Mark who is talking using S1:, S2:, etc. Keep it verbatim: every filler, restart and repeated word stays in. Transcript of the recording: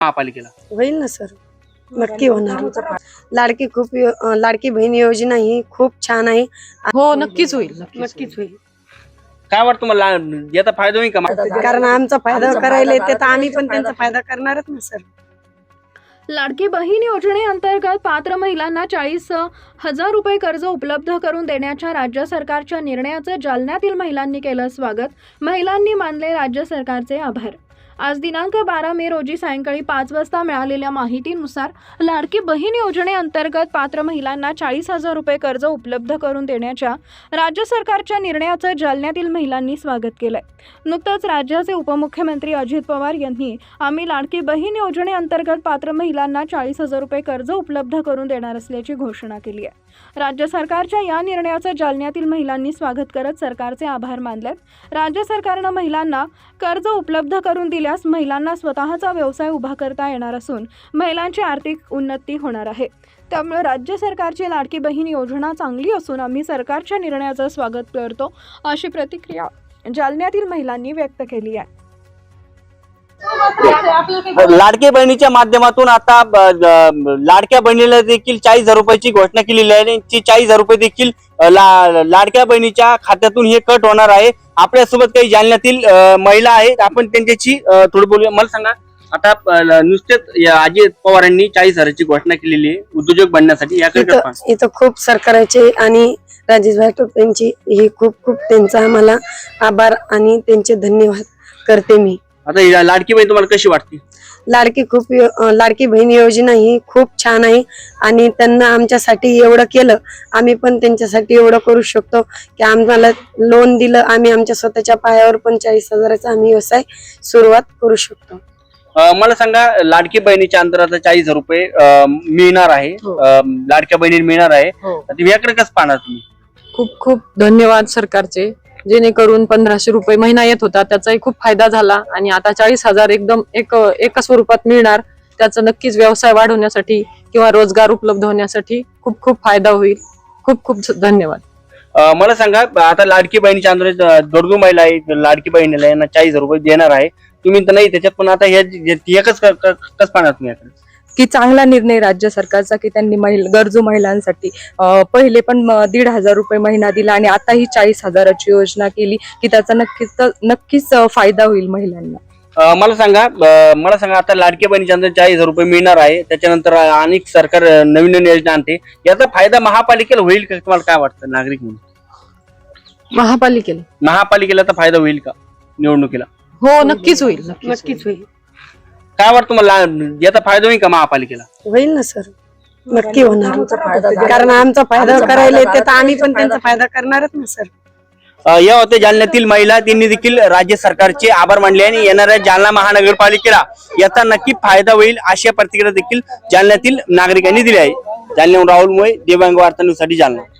S1: महापालिकेला
S2: होईल ना सर, नक्की होणार। लाडकी खूप लाडकी बहीण योजना ही खूप छान आहे।
S3: हो नक्कीच होईल,
S2: नक्कीच होईल।
S1: काय वाटतं तुम्हाला याचा फायदा होईल का?
S2: कारण आमचा फायदा करायला येते तर आम्ही पण त्यांचा फायदा करणारच ना सर।
S4: लाडकी बहीण योजनेअंतर्गत पात्र महिलांना चाळीस हजार रुपये कर्ज उपलब्ध करून देण्याच्या राज्य सरकारच्या निर्णयाचं जालन्यातील महिलांनी केलं स्वागत। महिलांनी मानले राज्य सरकारचे आभार। आज दिनांक बारा मे रोजी सायंकाळी पाच वाजता मिळालेल्या माहितीनुसार लाडकी बहीण योजनेअंतर्गत पात्र महिलांना चाळीस हजार रुपये कर्ज उपलब्ध करून देण्याच्या राज्य सरकारच्या निर्णयाचं जालन्यातील महिलांनी स्वागत केलंय। नुकतंच राज्याचे उपमुख्यमंत्री अजित पवार यांनी आम्ही लाडकी बहीण योजनेअंतर्गत पात्र महिलांना चाळीस हजार रुपये कर्ज उपलब्ध करून देणार असल्याची घोषणा केली आहे। राज्य सरकारच्या या निर्णयाचं जालन्यातील महिलांनी स्वागत करत सरकारचे आभार मानलेत। राज्य सरकारनं महिलांना कर्ज उपलब्ध करून दिल्यास महिलांना स्वतःचा व्यवसाय उभा करता येणार असून महिलांची आर्थिक उन्नती होणार आहे। त्यामुळे राज्य सरकारची लाडकी बहीण योजना चांगली असून आम्ही सरकारच्या निर्णयाचं स्वागत करतो, अशी प्रतिक्रिया जालन्यातील महिलांनी व्यक्त केली आहे।
S1: लाडक्या बहिणीच्या माध्यमातून आता लाडक्या बहिणीला देखील चाळीस हजार रुपयाची घोषणा केलेली आहे। चाळीस हजार रुपये देखील लाडक्या बहिणीच्या खात्यातून हे कट होणार आहे। आपल्यासोबत काही जालन्यातील महिला आहेत, आपण त्यांच्याशी थोडं बोलूया। मला सांगा, आता नुसतेच अजित पवारांनी चाळीस हजाराची घोषणा केलेली आहे उद्योजक बनण्यासाठी, याकडे
S2: इथं खूप सरकारचे आणि राजेशभाई टोपेंची ही खूप खूप त्यांचा आम्हाला आभार आणि त्यांचे धन्यवाद करते मी।
S1: आता लाडकी बहीण तुम्हाला कशी वाटते?
S2: लाडकी खूप लाडकी बहीण योजना ही खूप छान आहे आणि त्यांना आमच्यासाठी एवढं केलं, आम्ही पण त्यांच्यासाठी एवढं करू शकतो की आम्हाला लोन दिलं, आम्ही आमच्या स्वतःच्या पायावर पण चाळीस हजाराचा आम्ही व्यवसाय सुरुवात करू शकतो।
S1: मला सांगा, लाडकी बहिणीच्या अंतर्गत चाळीस हजार रुपये मिळणार आहे, लाडक्या बहिणी मिळणार आहे, याकडे कसं पाहणार तुम्ही?
S3: खूप खूप धन्यवाद सरकारचे, जेणेकरून पंधराशे रुपये महिना येत होता त्याचाही खूप फायदा झाला आणि आता चाळीस हजार एकदम एक एका स्वरूपात मिळणार। त्याचा नक्कीच व्यवसाय वाढवण्यासाठी किंवा रोजगार उपलब्ध होण्यासाठी खूप खूप फायदा होईल। खूप खूप धन्यवाद।
S1: मला सांगा, आता लाडकी बहिणीच्या अंतर्गत गरजू महिला आहेत, लाडकी बहिणीला यांना चाळीस हजार रुपये देणार आहे, तुम्ही तर नाही त्याच्यात, पण आता हे एकच कसं पाहणार तुम्ही?
S5: की चांगला निर्णय राज्य सरकारचा की त्यांनी महिला गरजू महिलांसाठी पहिले पण दीड हजार रुपये महिना दिला आणि आता ही चाळीस हजाराची योजना केली की त्याचा नक्कीच नक्कीच फायदा होईल महिलांना।
S1: मला सांगा मला सांगा आता लाडक्या बहिणीच्या अंतर चाळीस हजार रुपये मिळणार आहे, त्याच्यानंतर अनेक सरकार नवीन नवीन योजना आणते, याचा फायदा महापालिकेला होईल का? तुम्हाला काय वाटतं नागरिक म्हणून?
S3: महापालिकेला
S1: महापालिकेला तर फायदा होईल का निवडणुकीला?
S3: हो नक्कीच होईल,
S2: नक्कीच होईल।
S1: काय वाटतं तुम्हाला याचा फायदा होईल का महापालिकेला?
S2: होईल ना सर, नक्की होणार। कारण आमचा फायदा करायला येते तर आम्ही पण त्यांचा फायदा करणारच ना सर।
S1: या होते जालन्यातील महिला, त्यांनी देखील राज्य सरकारचे आभार मानले आणि येणाऱ्या जालना महानगरपालिकेला याचा नक्की फायदा होईल अशा प्रतिक्रिया देखील जालन्यातील नागरिकांनी दिली आहे। जालन्याहून राहुल मोये, दिव्यांग वार्ता न्यूज साठी जालना।